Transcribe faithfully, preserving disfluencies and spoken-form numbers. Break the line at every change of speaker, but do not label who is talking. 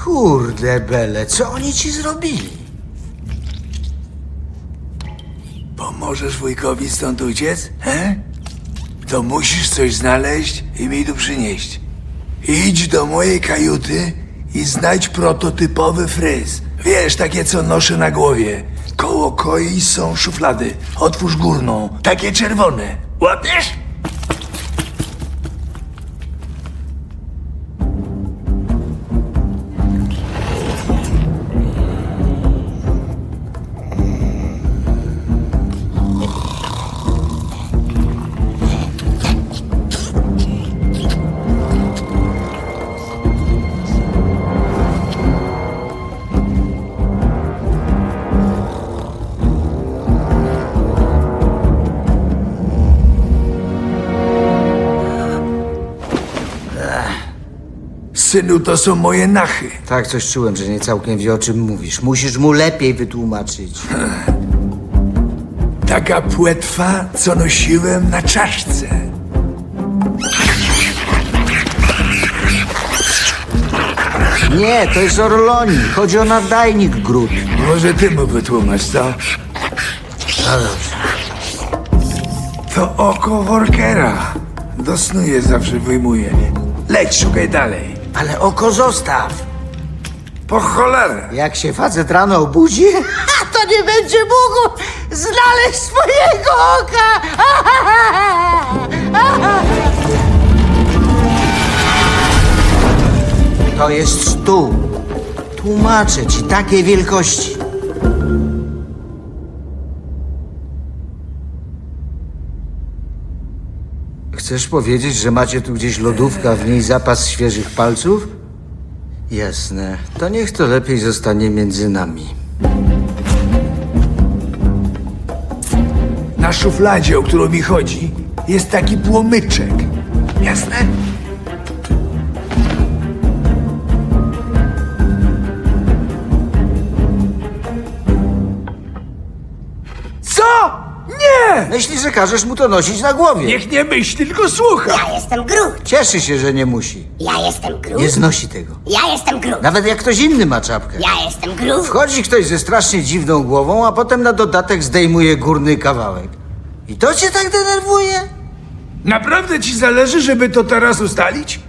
Kurde bele, co oni ci zrobili?
Pomożesz wujkowi stąd uciec, he? To musisz coś znaleźć i mi tu przynieść. Idź do mojej kajuty i znajdź prototypowy fryz. Wiesz, takie co noszę na głowie. Koło koi są szuflady. Otwórz górną, takie czerwone. Łapiesz? Synu, to są moje nachy.
Tak, coś czułem, że nie całkiem wie, o czym mówisz. Musisz mu lepiej wytłumaczyć.
Taka płetwa, co nosiłem na czaszce.
Nie, to jest Orloni. Chodzi o nadajnik Grut.
Może ty mu wytłumacz, co?
No dobrze.
To oko workera. Do snu je zawsze wyjmuję. Leć, szukaj dalej.
Ale oko zostaw.
Po cholerę.
Jak się facet rano obudzi, to nie będzie mógł znaleźć swojego oka. To jest stół. Tłumaczę ci, takiej wielkości. Chcesz powiedzieć, że macie tu gdzieś lodówkę, a w niej zapas świeżych palców? Jasne. To niech to lepiej zostanie między nami.
Na szufladzie, o którą mi chodzi, jest taki płomyczek. Jasne? Co? Nie!
Myśli, że każesz mu to nosić na głowie.
Niech nie myśli, tylko słucha.
Ja jestem Grut.
Cieszy się, że nie musi.
Ja jestem Grut.
Nie znosi tego.
Ja jestem Grut.
Nawet jak ktoś inny ma czapkę.
Ja jestem Grut.
Wchodzi ktoś ze strasznie dziwną głową, a potem na dodatek zdejmuje górny kawałek. I to cię tak denerwuje?
Naprawdę ci zależy, żeby to teraz ustalić?